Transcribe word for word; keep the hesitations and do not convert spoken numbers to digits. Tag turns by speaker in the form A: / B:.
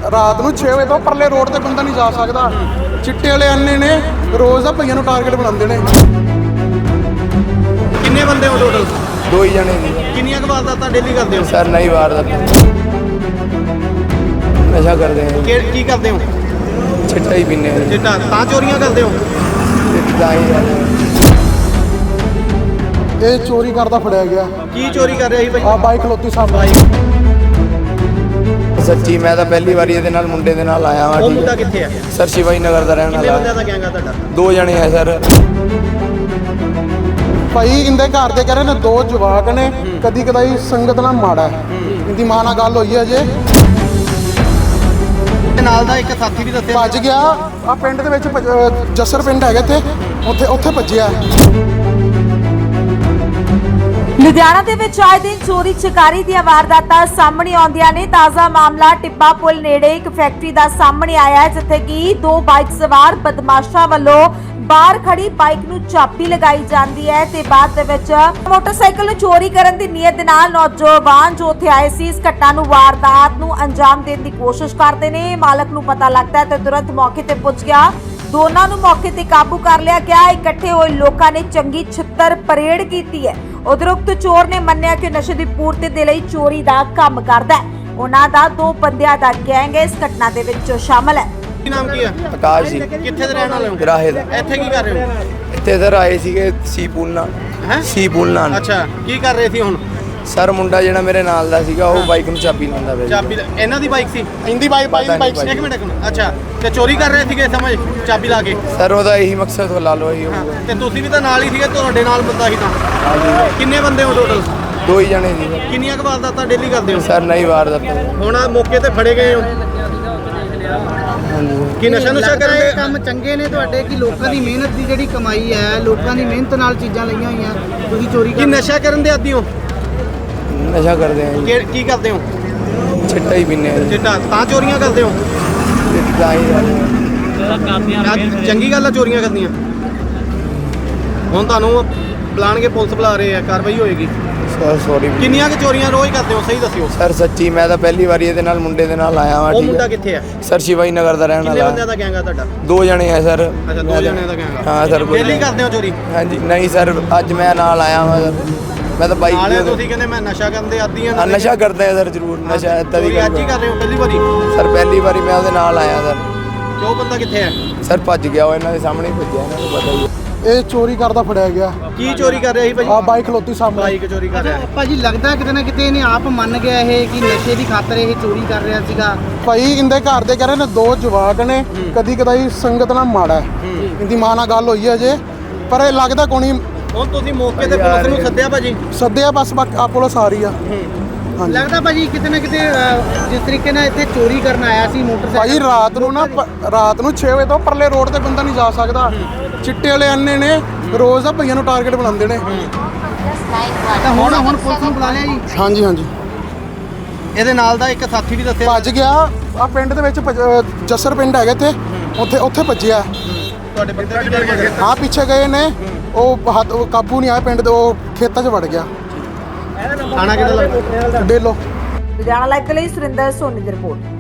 A: ਰਾਤ ਨੂੰ ਛੇ ਵਜੇ ਤੋਂ ਪਰਲੇ ਰੋਡ ਤੇ ਬੰਦਾ ਨਹੀਂ ਜਾ ਸਕਦਾ। ਚਿੱਟੇ ਵਾਲੇ ਅੰਨੇ ਨੇ ਰੋਜ਼ ਦਾ ਭਈਆਂ ਨੂੰ ਟਾਰਗੇਟ ਬਣਾਉਂਦੇ ਨੇ।
B: ਕਿੰਨੇ ਬੰਦੇ ਹੋ ਟੋਟਲ?
C: ਦੋ ਹੀ ਜਣੇ ਜੀ।
B: ਕਿੰਨੀਆਂ ਕੁ ਵਾਰਦਾਤਾਂ ਡੇਲੀ ਕਰਦੇ ਹੋ?
C: ਸਰ ਨਹੀਂ ਵਾਰਦਾਤ, ਨਸ਼ਾ ਕਰਦੇ ਹਾਂ।
B: ਕੀ ਕੀ ਕਰਦੇ ਹੋ?
C: ਚਿੱਟਾ ਹੀ ਪੀਂਦੇ ਹਾਂ।
B: ਚਿੱਟਾ ਤਾਂ ਚੋਰੀਆਂ ਕਰਦੇ ਹੋ?
C: ਚਿੱਟਾ ਹੀ
A: ਇਹ ਚੋਰੀ ਕਰਦਾ ਫੜਿਆ ਗਿਆ।
B: ਕੀ ਚੋਰੀ ਕਰ ਰਿਹਾ ਸੀ ਭਾਈ?
A: ਆ ਬਾਈਕ ਖਲੋਤੀ ਸਾਹਮਣੇ।
C: ਸੱਚੀ ਮੈਂ ਤਾਂ ਪਹਿਲੀ ਵਾਰੀ ਇਹਦੇ ਨਾਲ ਮੁੰਡੇ ਦੇ ਨਾਲ ਆਇਆ ਵਾਂ।
B: ਉਹ ਮੁੰਡਾ ਕਿੱਥੇ ਆ?
C: ਸਰ ਸ਼ਿਵਾਈ ਨਗਰ ਦਾ ਰਹਿਣ
B: ਕਿੰਨੇ
C: ਵਾਲਾ।
B: ਬੰਦਿਆਂ ਦਾ ਗੈਂਗ ਆ ਤੁਹਾਡਾ?
C: ਦੋ ਜਣੇ ਆ ਸਰ।
A: ਭਾਈ ਇਹਦੇ ਘਰ ਦੇ ਕਹਿ ਰਹੇ ਨੇ ਦੋ ਜਵਾਕ ਨੇ, ਕਦੀ ਕਦਾਈ ਸੰਗਤ ਨਾਲ ਮਾੜਾ ਹੈ। ਇਹਦੀ ਮਾਂ ਨਾਲ ਗੱਲ ਹੋਈ ਹੈ ਜੇ।
B: ਤੇ ਨਾਲ ਦਾ ਇੱਕ ਸਾਥੀ ਵੀ ਦੱਸਿਆ
A: ਭੱਜ ਗਿਆ। ਆ ਪਿੰਡ ਦੇ ਵਿੱਚ ਭੱਜ- ਅਹ ਜੱਸਰ ਪਿੰਡ ਹੈਗਾ ਇੱਥੇ, ਉੱਥੇ ਉੱਥੇ ਭੱਜਿਆ।
D: ਲੁਧਿਆਣਾ ਦੇ ਵਿੱਚ ਆਏ ਦਿਨ ਚੋਰੀ ਚਕਾਰੀ ਦੀਆਂ ਵਾਰਦਾਤਾਂ ਸਾਹਮਣੇ ਆਉਂਦੀਆਂ ਨੇ। ਤਾਜ਼ਾ ਮਾਮਲਾ ਟਿੱਬਾ ਪੁਲ ਨੇੜੇ ਇੱਕ ਫੈਕਟਰੀ ਦਾ ਸਾਹਮਣੇ ਆਇਆ ਹੈ, ਜਿੱਥੇ ਕਿ ਦੋ ਬਾਈਕ ਸਵਾਰ ਬਦਮਾਸ਼ਾਂ ਵੱਲੋਂ ਬਾਹਰ ਖੜੀ ਬਾਈਕ ਨੂੰ ਚਾਬੀ ਲਗਾਈ ਜਾਂਦੀ ਹੈ ਤੇ ਬਾਅਦ ਦੇ ਵਿੱਚ ਮੋਟਰਸਾਈਕਲ ਨੂੰ ਚੋਰੀ ਕਰਨ ਦੀ ਨੀਅਤ ਦੇ ਨਾਲ ਨੌਜਵਾਨ ਜੋ ਉੱਥੇ ਆਏ ਸੀ ਇਸ ਘਟਨਾ ਨੂੰ ਵਾਰਦਾਤ ਨੂੰ ਅੰਜਾਮ ਦੇਣ ਦੀ ਕੋਸ਼ਿਸ਼ ਕਰਦੇ ਨੇ। ਮਾਲਕ ਨੂੰ ਪਤਾ ਲੱਗਦਾ ਹੈ ਤੇ ਤੁਰੰਤ ਮੌਕੇ ਤੇ ਪੁੱਜ ਗਿਆ। ਦੋਨਾਂ ਨੂੰ ਮੌਕੇ ਤੇ ਕਾਬੂ ਕਰ ਲਿਆ ਗਿਆ। ਇਕੱਠੇ ਹੋਏ ਲੋਕਾਂ ਨੇ ਚੰਗੀ ਛਿੱਤਰ ਪਰੇਡ ਕੀਤੀ ਹੈ। ਉਪਰੋਕਤ ਚੋਰ ਨੇ ਮੰਨਿਆ ਕਿ ਨਸ਼ੇ ਦੀ ਪੂਰਤੀ ਦੇ ਲਈ ਚੋਰੀ ਦਾ ਕੰਮ ਕਰਦਾ ਹੈ। ਉਹਨਾਂ ਦਾ ਦੋ ਬੰਦਿਆਂ ਦਾ ਗੈਂਗ ਇਸ ਘਟਨਾ ਦੇ ਵਿੱਚ ਸ਼ਾਮਲ ਹੈ।
B: ਕੀ ਨਾਮ ਕੀ ਆ?
C: ਆਕਾਸ਼ ਜੀ।
B: ਕਿੱਥੇ ਦੇ ਰਹਿਣ ਵਾਲੇ ਹੋ?
C: ਰਾਹੇ ਦਾ।
B: ਇੱਥੇ ਕੀ ਕਰ ਰਹੇ ਹੋ?
C: ਇੱਥੇ ਸਰ ਆਏ ਸੀਗੇ ਸੀ ਪੂਲ ਨਾਲ।
B: ਹੈਂ?
C: ਸੀ ਪੂਲ ਨਾਲ।
B: ਅੱਛਾ, ਕੀ ਕਰ ਰਹੇ ਸੀ ਹੁਣ?
C: ਸਰ ਮੁੰਡਾ ਜਿਹੜਾ ਮੇਰੇ ਨਾਲ ਦਾ ਸੀਗਾ ਉਹ ਬਾਈਕ ਨੂੰ ਚਾਬੀ ਲਾਉਂਦਾ ਪਿਆ ਸੀ।
B: ਚਾਬੀ ਇਹਨਾਂ ਦੀ ਬਾਈਕ ਸੀ?
A: ਇੰਦੀ ਬਾਈਕ ਬਾਈਕ
C: ਪਤਾ
A: ਬਾਈਕ
C: ਨਹੀਂ
B: ਇੱਕ ਮਿੰਟ ਇੱਕ ਮਿੰਟ। ਅੱਛਾ, ਤੇ ਚੋਰੀ ਕਰ ਰਹੇ ਸੀਗੇ ਸਮਝ ਚਾਬੀ ਲਾ ਕੇ?
C: ਸਰ ਉਹਦਾ ਇਹੀ ਮਕਸਦ ਹੋ ਲਾ ਲਓ ਇਹੀ
B: ਹਾਂ,
C: ਹੋਊਗਾ।
B: ਤੇ ਤੁਸੀਂ ਵੀ ਤਾਂ ਨਾਲ ਹੀ ਸੀਗੇ, ਤੁਹਾਡੇ ਨਾਲ ਬੰਦਾ ਸੀ ਤਾਂ?
C: ਹਾਂਜੀ
B: ਕਿੰਨੇ ਬੰਦੇ ਹੋ ਟੋਟਲ?
C: ਦੋ ਹੀ ਜਣੇ ਜੀ।
B: ਕਿੰਨੀਆਂ ਕੁ ਵਾਰਦਾਤਾਂ ਡੇਲੀ ਕਰਦੇ ਹੋ?
C: ਸਰ ਨਹੀਂ ਵਾਰਦਾਤ।
B: ਹੁਣ ਆਹ ਮੌਕੇ ਤੇ ਫੜੇ ਗਏ ਹੋ
C: ਹਾਂਜੀ
B: ਕਿ ਨਸ਼ਾ ਨੁਸ਼ਾ
E: ਲੱਗਦਾ
B: ਕਰਨ
E: ਇਹ
B: ਦੇ?
E: ਕੰਮ ਚੰਗੇ ਨੇ ਤੁਹਾਡੇ ਕਿ ਲੋਕਾਂ ਦੀ ਮਿਹਨਤ ਦੀ ਜਿਹੜੀ ਕਮਾਈ ਹੈ, ਲੋਕਾਂ ਦੀ ਮਿਹਨਤ ਨਾਲ ਚੀਜ਼ਾਂ ਲਈਆਂ ਹੋਈਆਂ, ਤੁਸੀਂ ਚੋਰੀ
B: ਕੀ
E: ਕਰ
B: ਨਸ਼ਾ ਕਰਨ ਦੇ ਆਦੀ ਹੋ?
C: ਨਸ਼ਾ ਕਰਦੇ ਹਾਂ ਜੀ।
B: ਕੀ ਕੀ ਕਰਦੇ ਹੋ?
C: ਚਿੱਟਾ ਹੀ ਪੀਂਦੇ ਹਾਂ।
B: ਚਿੱਟਾ ਤਾਂ ਚੋਰੀਆਂ ਕਰਦੇ ਹੋ?
C: ਚਿੱਟਾ ਹੀ
B: ਆਹ ਚੰਗੀ ਗੱਲ ਆ ਚੋਰੀਆਂ ਕਰਨੀਆਂ। ਹੁਣ ਤੁਹਾਨੂੰ ਬੁਲਾਣਗੇ, ਪੁਲਿਸ ਬੁਲਾ ਰਹੇ ਆ, ਕਾਰਵਾਈ ਹੋਏਗੀ।
C: ਸਰ ਸੌਰੀ
B: ਕਿੰਨੀਆਂ ਕੁ ਚੋਰੀਆਂ ਰੋਜ਼ ਕਰਦੇ ਹੋ ਸਹੀ ਦੱਸਿਓ?
C: ਸਰ ਸੱਚੀ ਮੈਂ ਤਾਂ ਪਹਿਲੀ ਵਾਰੀ ਇਹਦੇ ਨਾਲ ਮੁੰਡੇ ਦੇ ਨਾਲ ਆਇਆ ਵਾਂ।
B: ਉਹ
C: ਠੀਕ
B: ਮੁੰਡਾ
C: ਹੈ।
B: ਕਿੱਥੇ ਆ?
C: ਸਰ ਸ਼ਿਵਾਈ ਨਗਰ ਦਾ ਰਹਿਣ
B: ਕਿੰਨੇ ਬੰਦਿਆਂ
C: ਵਾਲਾ।
B: ਦਾ ਗੈਂਗ ਆ ਤੁਹਾਡਾ?
C: ਦੋ ਜਣੇ ਆ ਸਰ।
B: ਅੱਛਾ, ਦੋ ਜਣਿਆਂ ਦਾ ਗੈਂਗ ਆ।
C: ਹਾਂ ਸਰ।
B: ਡੇਲੀ ਕਰਦੇ ਹੋ ਚੋਰੀ?
C: ਹਾਂਜੀ ਨਹੀਂ ਸਰ, ਅੱਜ ਮੈਂ ਨਾਲ ਆਇਆ ਵਾਂ ਸਰ। ਮੈਂ ਤਾਂ ਬਾਈਕ
B: ਨਾਲੇ
C: ਤੇ
B: ਤੁਸੀਂ ਕਹਿੰਦੇ ਮੈਂ ਨਸ਼ਾ ਕਰਨ ਦੇ ਆਦੀ
C: ਹਾਂ, ਨਸ਼ਾ ਕਰਦੇ ਆ ਸਰ ਜ਼ਰੂਰ। ਨਸ਼ਾ ਏਦਾਂ ਦੀ
B: ਚੋਰੀ ਅੱਜ ਹੀ
C: ਗੱਲ
B: ਕਰ ਰਹੇ ਹੋ ਪਹਿਲੀ ਵਾਰੀ?
C: ਸਰ ਪਹਿਲੀ ਵਾਰੀ ਮੈਂ ਉਹਦੇ ਨਾਲ ਆਇਆ ਸਰ।
B: ਤੇ ਉਹ ਬੰਦਾ ਕਿੱਥੇ ਆ?
C: ਸਰ ਭੱਜ ਗਿਆ, ਉਹ ਇਹਨਾਂ ਦੇ ਸਾਹਮਣੇ ਹੀ ਭੱਜਿਆ, ਇਹਨਾਂ ਨੂੰ ਪਤਾ ਹੀ ਹੈ।
A: ਇਹ ਚੋਰੀ ਕਰਦਾ ਫੜਿਆ ਗਿਆ।
B: ਕੀ ਚੋਰੀ ਕਰ ਰਿਹਾ ਸੀ ਭਾਈ?
A: ਆ ਬਾਈਕ ਖਲੋਤੀ ਸਾਹਮਣੇ।
B: ਬਾਈਕ ਚੋਰੀ ਕਰ ਰਿਹਾ।
E: ਭਾਜੀ ਲੱਗਦਾ ਕਿਤੇ ਨਾ ਕਿਤੇ ਇਹਨੇ ਆਪ ਮੰਨ ਗਿਆ ਇਹ ਕਿ ਨਸ਼ੇ ਦੀ ਖਾਤਰ ਇਹ ਚੋਰੀ ਕਰ ਰਿਹਾ ਸੀਗਾ।
A: ਭਾਈ ਇਹਦੇ ਘਰ ਦੇ ਕਹਿ ਰਹੇ ਨੇ ਦੋ ਜਵਾਕ ਨੇ, ਕਦੀ ਕਦਾਈ ਸੰਗਤ ਨਾਲ ਮਾੜਾ ਹੈ। ਇਹਦੀ ਮਾਂ ਨਾਲ ਗੱਲ ਹੋਈ ਹੈ ਜੇ, ਪਰ ਇਹ ਲੱਗਦਾ ਕੋਣੀ
B: ਹੁਣ ਤੁਸੀਂ ਮੌਕੇ ਤੇ ਪੁਲਿਸ ਨੂੰ ਸੱਦਿਆ ਭਾਜੀ?
A: ਸੱਦਿਆ, ਬਸ ਆ ਪੁਲਿਸ ਆ ਰਹੀ ਆ। ਹਾਂਜੀ
E: ਲੱਗਦਾ ਭਾਜੀ ਕਿਤੇ ਨਾ ਕਿਤੇ ਅਹ, ਜਿਸ ਤਰੀਕੇ ਨਾਲ ਇੱਥੇ ਚੋਰੀ ਕਰਨ ਆਇਆ ਸੀ ਮੋਟਰਸਾਈਕਲ।
A: ਭਾਈ ਰਾਤ ਨੂੰ ਨਾ ਪ- ਰਾਤ ਨੂੰ ਛੇ ਵਜੇ ਤੋਂ ਪਰਲੇ ਰੋਡ ਤੇ ਬੰਦਾ ਨਹੀਂ ਜਾ ਸਕਦਾ। ਚਿੱਟੇ ਵਾਲੇ ਅੰਨੇ ਨੇ ਰੋਜ਼ ਦਾ ਭਈਆਂ ਨੂੰ ਟਾਰਗੇਟ ਬਣਾਉਂਦੇ ਨੇ।
E: ਤਾਂ ਹੁਣ ਹੁਣ ਪੁਲਿਸ ਨੂੰ ਬੁਲਾ ਲਿਆ ਜੀ?
A: ਹਾਂਜੀ ਹਾਂਜੀ
B: ਇਹਦੇ ਨਾਲ ਦਾ ਇੱਕ ਸਾਥੀ ਵੀ ਦੱਸਿਆ?
A: ਭੱਜ ਗਿਆ। ਆ ਪਿੰਡ ਦੇ ਵਿੱਚ ਭੱਜ- ਅਹ ਜੱਸਰ ਪਿੰਡ ਹੈਗਾ ਇੱਥੇ, ਉੱਥੇ ਉੱਥੇ ਭੱਜਿਆ।
B: ਤੁਹਾਡੇ ਬੰਦੇ ਵੀ ਡਰ ਗਏ?
A: ਹਾਂ ਪਿੱਛੇ ਗਏ ਨੇ, ਉਹ ਹੱਥ ਉਹ ਕਾਬੂ ਨਹੀਂ ਆਇਆ, ਪਿੰਡ ਦੇ ਉਹ ਖੇਤਾਂ 'ਚ ਵੜ ਗਿਆ।
B: ਖਾਣਾ ਕਿਹਦਾ ਲੱਗਦਾ?
A: ਡੇਲੋ।
D: ਲੁਧਿਆਣਾ ਲਾਈਵ ਦੇ ਲਈ ਸੁਰਿੰਦਰ ਸੋਨੀ ਦੀ ਰਿਪੋਰਟ।